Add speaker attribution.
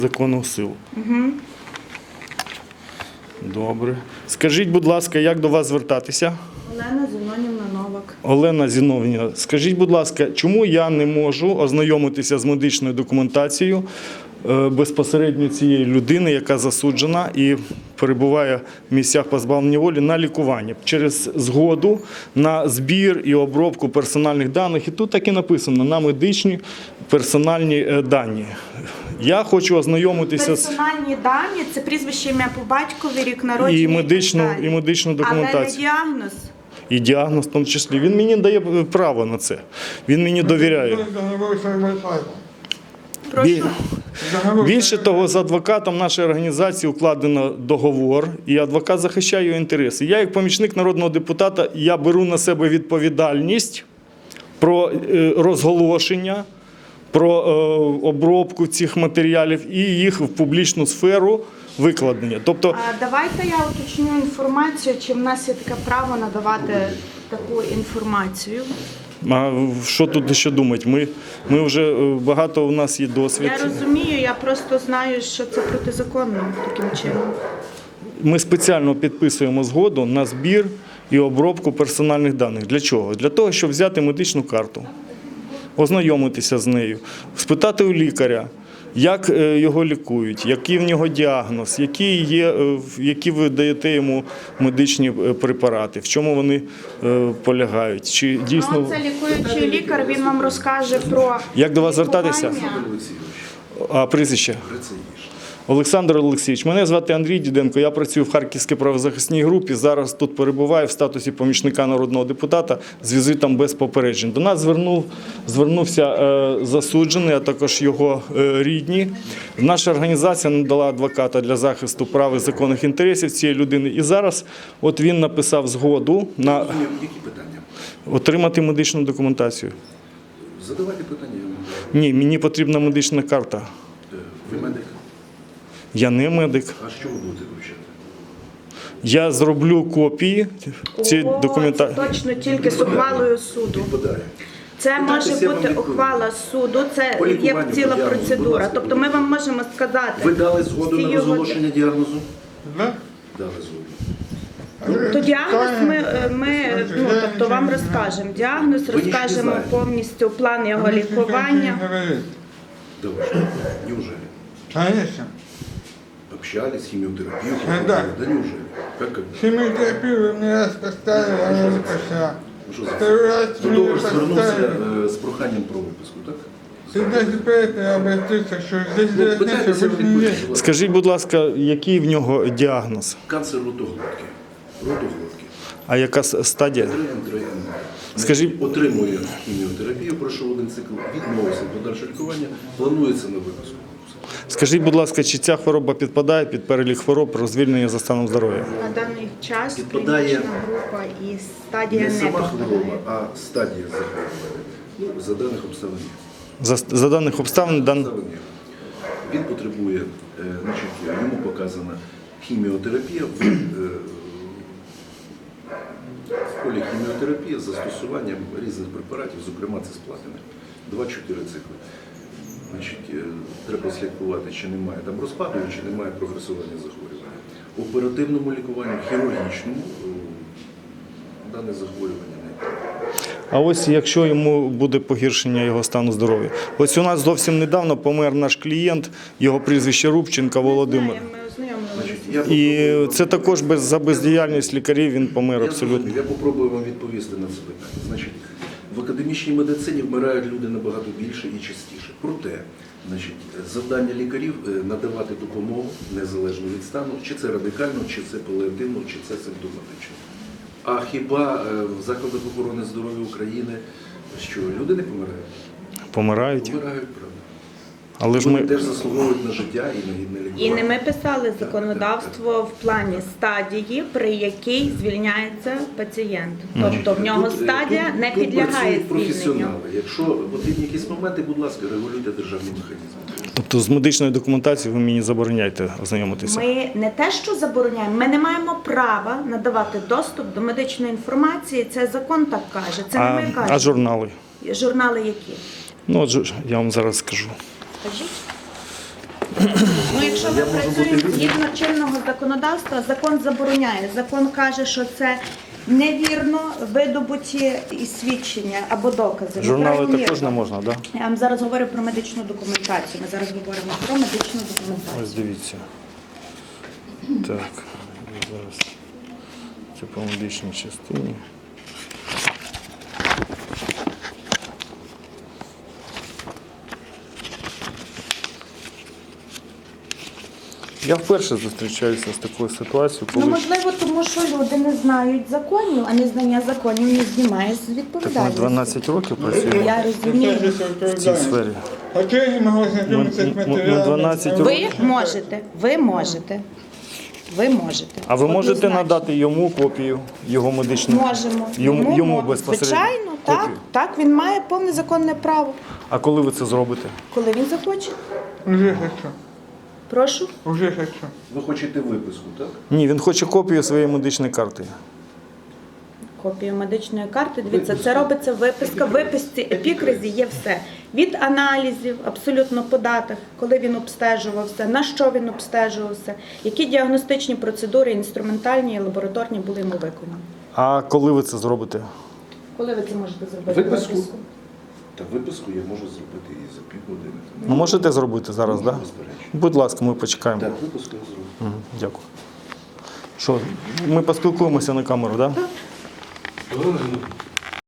Speaker 1: законну силу. Добре. Скажіть, будь ласка, як до вас звертатися?
Speaker 2: Олена Зінонівна Новак.
Speaker 1: Олена Зіновнівна, скажіть, будь ласка, чому я не можу ознайомитися з медичною документацією безпосередньо цієї людини, яка засуджена і перебуває в місцях позбавлення волі на лікування через згоду на збір і обробку персональних даних. І тут так і написано, на медичні персональні дані. Я хочу ознайомитися з...
Speaker 2: Персональні дані – це прізвище, ім'я по батькові, рік народження
Speaker 1: і медичну документацію.
Speaker 2: Але не діагноз.
Speaker 1: І діагноз в тому числі. Він мені дає право на це. Він мені довіряє.
Speaker 2: Прошу.
Speaker 1: Більше того, з адвокатом нашої організації укладено договор, і адвокат захищає його інтереси. Я, як помічник народного депутата, я беру на себе відповідальність про розголошення, про обробку цих матеріалів і їх в публічну сферу викладення. Тобто,
Speaker 2: Давайте я уточню інформацію, чи в нас є таке право надавати таку інформацію.
Speaker 1: а що тут ще думати? Ми вже багато у нас є досвід.
Speaker 2: Я розумію, я просто знаю, що це протизаконно таким чином.
Speaker 1: Ми спеціально підписуємо згоду на збір і обробку персональних даних. Для чого? Для того, щоб взяти медичну карту, ознайомитися з нею, спитати у лікаря, як його лікують, який в нього діагноз, які ви даєте йому медичні препарати, в чому вони полягають. Чи дійсно...
Speaker 2: Це лікуючий лікар, він вам розкаже про
Speaker 1: Як до вас звертатися? А прізвище? Олександр Олексійович, мене звати Андрій Діденко, я працюю в Харківській правозахисній групі, зараз тут перебуваю в статусі помічника народного депутата з візитом без попереджень. До нас звернувся засуджений, а також його рідні. Наша організація надала адвоката для захисту прав і законних інтересів цієї людини. І зараз от він написав згоду на
Speaker 3: Які питання?
Speaker 1: отримати медичну документацію.
Speaker 3: Задавайте питання.
Speaker 1: Ні, мені потрібна медична карта.
Speaker 3: Ви медик?
Speaker 1: Я не медик.
Speaker 3: А що ви будете вивчати?
Speaker 1: Я зроблю копії цієї
Speaker 2: Це
Speaker 1: документації.
Speaker 2: точно тільки з ухвалою суду.
Speaker 3: Підпадає.
Speaker 2: Це може
Speaker 3: Питайтеся, я вам
Speaker 2: бути
Speaker 3: відповім.
Speaker 2: ухвала суду, це
Speaker 3: По
Speaker 2: є
Speaker 3: лікуванню,
Speaker 2: ціла
Speaker 3: по діагнозу, будь
Speaker 2: процедура.
Speaker 3: ласка,
Speaker 2: Тобто ми вам можемо сказати.
Speaker 3: Ви дали згоду
Speaker 2: всі
Speaker 3: на
Speaker 2: його-
Speaker 3: розголошення діагнозу?
Speaker 4: Да?
Speaker 3: Дали згоду.
Speaker 2: То діагноз тобто вам розкажемо. Діагноз
Speaker 3: Ви нічого не
Speaker 2: розкажемо
Speaker 3: знаєте.
Speaker 2: повністю план його лікування.
Speaker 3: Давай. Неужели?
Speaker 4: Конечно.
Speaker 3: Общались, химиотерапию?
Speaker 4: Да.
Speaker 3: Да неужели? Как?
Speaker 4: Химиотерапию вы мне раз поставили, а я закачал.
Speaker 3: Ну, що за
Speaker 4: Второй раз
Speaker 3: До
Speaker 4: мне
Speaker 3: того ж звернувся
Speaker 4: поставили.
Speaker 3: з проханням про виписку, так?
Speaker 4: Ты даже поэтому обратился, что здесь
Speaker 3: Ну,
Speaker 4: должны
Speaker 3: питайтеся,
Speaker 4: быть не
Speaker 3: відповідь.
Speaker 4: есть.
Speaker 1: Скажіть, будь ласка, який в нього діагноз?
Speaker 3: Канцер ротоглотки. Ротоглотки.
Speaker 1: А яка стадія?
Speaker 3: 3Н.
Speaker 1: Скажіть-
Speaker 3: Отримує хіміотерапію, пройшов один цикл, відмовився від подальшого лікування, планується на виписку.
Speaker 1: Скажіть, будь ласка, чи ця хвороба підпадає під перелік хвороб про звільнення за станом здоров'я?
Speaker 2: На даний час
Speaker 3: Підпадає
Speaker 2: клінічна група і стадія
Speaker 3: Не
Speaker 2: не
Speaker 3: сама
Speaker 2: підпадає.
Speaker 3: хвороба, а стадія захворювання. Ну, за даних обставин.
Speaker 1: За даних обставин,
Speaker 3: Обставин є. Він потребує, йому показана хіміотерапія в полі хіміотерапії з застосуванням різних препаратів, зокрема цисплатини. 2-4 цикли. Треба слідкувати, чи немає там розпаду, чи немає прогресування захворювання. В оперативному лікуванні, хірургічному дане захворювання не є.
Speaker 1: А ось якщо йому буде погіршення його стану здоров'я. Ось у нас зовсім недавно помер наш клієнт, його прізвище Рубченко Володимир.
Speaker 2: Ми ознайомилися.
Speaker 3: Я
Speaker 1: І
Speaker 3: попробую-
Speaker 1: це також за бездіяльність лікарів він помер абсолютно.
Speaker 3: Я попробую вам відповісти на це питання. Значить, в академічній медицині вмирають люди набагато більше і частіше. Проте, завдання лікарів надавати допомогу незалежно від стану, чи це радикально, чи це паліативно, чи це симптоматично. А хіба в закладах охорони здоров'я України що люди не помирають?
Speaker 1: Помирають.
Speaker 3: Помирають, правда.
Speaker 1: Але ж
Speaker 3: Вони
Speaker 1: ми...
Speaker 3: теж заслуговують на життя і на гідне лікування.
Speaker 2: І не ми писали законодавство в плані стадії, при якій звільняється пацієнт. Тобто в нього
Speaker 3: Тут-
Speaker 2: стадія
Speaker 3: тут-
Speaker 2: не
Speaker 3: тут
Speaker 2: підлягає
Speaker 3: працюють
Speaker 2: звільненню.
Speaker 3: професіонали. Якщо потрібні якісь моменти, будь ласка, регулюйте державні механізми.
Speaker 1: Тобто з медичною документацією ви мені забороняєте ознайомитися?
Speaker 2: Ми не те, що забороняємо, ми не маємо права надавати доступ до медичної інформації. Це закон так каже. Це не ми
Speaker 1: А
Speaker 2: кажемо.
Speaker 1: журнали?
Speaker 2: Журнали які?
Speaker 1: Ну, от я вам зараз скажу.
Speaker 2: Скажіть. Ну, якщо ви
Speaker 3: Я можу бути
Speaker 2: працюєте
Speaker 3: вільним.
Speaker 2: згідно чинного законодавства, закон забороняє. Закон каже, що це невірно видобуті і свідчення або докази.
Speaker 1: Журнали
Speaker 2: Неправомірно.
Speaker 1: також не можна, так? Да?
Speaker 2: Я вам зараз говорю про медичну документацію. Ми зараз говоримо про медичну документацію.
Speaker 1: Ось дивіться. Так, зараз це по медичній частині. Я вперше зустрічаюся з такою ситуацією,
Speaker 2: Ну,
Speaker 1: коли
Speaker 2: можливо, тому що люди не знають законів, а незнання законів не знімає з
Speaker 1: так ми
Speaker 2: відповідальності.
Speaker 1: 12 років працюємо
Speaker 2: Я розумію.
Speaker 1: в цій сфері.
Speaker 4: А чого я не можу знайомитися з
Speaker 1: Ми
Speaker 4: матеріалами?
Speaker 1: 12
Speaker 2: Ви
Speaker 1: років.
Speaker 2: можете, ви можете. Ви можете.
Speaker 1: А ви можете
Speaker 2: Однозначно.
Speaker 1: надати йому копію його медичної?
Speaker 2: Можемо.
Speaker 1: Йому
Speaker 2: мо-
Speaker 1: безпосередньо?
Speaker 2: Звичайно, так.
Speaker 1: Копію?
Speaker 2: Так, він має повне законне право.
Speaker 1: А коли ви це зробите?
Speaker 2: Коли він захоче.
Speaker 4: Уже хочу.
Speaker 2: Прошу.
Speaker 4: Уже хочу.
Speaker 3: Ви хочете виписку, так?
Speaker 1: Ні, він хоче копію своєї медичної карти.
Speaker 2: Копію медичної карти. Дивіться, це робиться виписка. В виписці епікризі є все. Від аналізів, абсолютно по датах, коли він обстежувався, на що він обстежувався, які діагностичні процедури, інструментальні і лабораторні були йому виконані.
Speaker 1: А коли ви це зробите?
Speaker 2: Коли ви це можете зробити?
Speaker 3: Виписку? Та виписку я можу зробити і за півгодини.
Speaker 1: Ну, можете зробити зараз, так? Да?
Speaker 3: Безперечно.
Speaker 1: Будь ласка, ми почекаємо.
Speaker 3: Так, виписку я зроблю.
Speaker 1: Мгм, дякую. Що, ми поспілкуємося на камеру, так? Да?
Speaker 3: Галина Геннадіївна,